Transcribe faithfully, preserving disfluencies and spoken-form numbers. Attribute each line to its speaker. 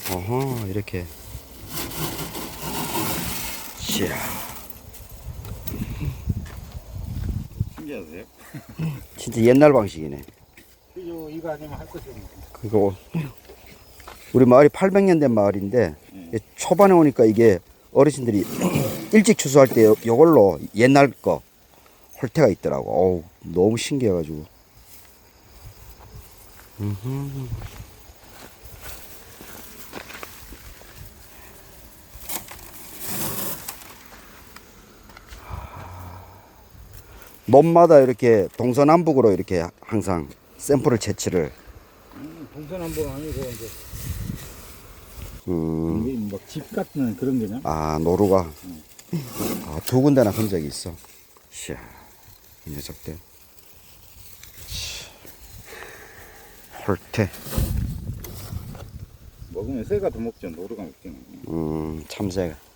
Speaker 1: 어허, 이렇게. 이야.
Speaker 2: 신기하세요?
Speaker 1: 진짜 옛날 방식이네.
Speaker 2: 그죠, 이거 아니면 할 것이 없네.
Speaker 1: 그거 우리 마을이 팔백 년 된 마을인데
Speaker 2: 네.
Speaker 1: 초반에 오니까 이게 어르신들이 일찍 추수할 때 요- 요걸로 옛날 거 홀태가 있더라고. 어우, 너무 신기해가지고. 음흠. 논마다 이렇게 동서남북으로 이렇게 항상 샘플을 채취를.
Speaker 2: 음, 동서남북 아니고 이제
Speaker 1: 음,
Speaker 2: 이게 막 집 같은 그런 게냐?
Speaker 1: 아, 노루가. 아, 두 군데나 본 적이 있어. 이야, 이 녀석들. 홀태.
Speaker 2: 먹으면 새가 더 먹죠. 노루가 먹지는.
Speaker 1: 음, 참새가.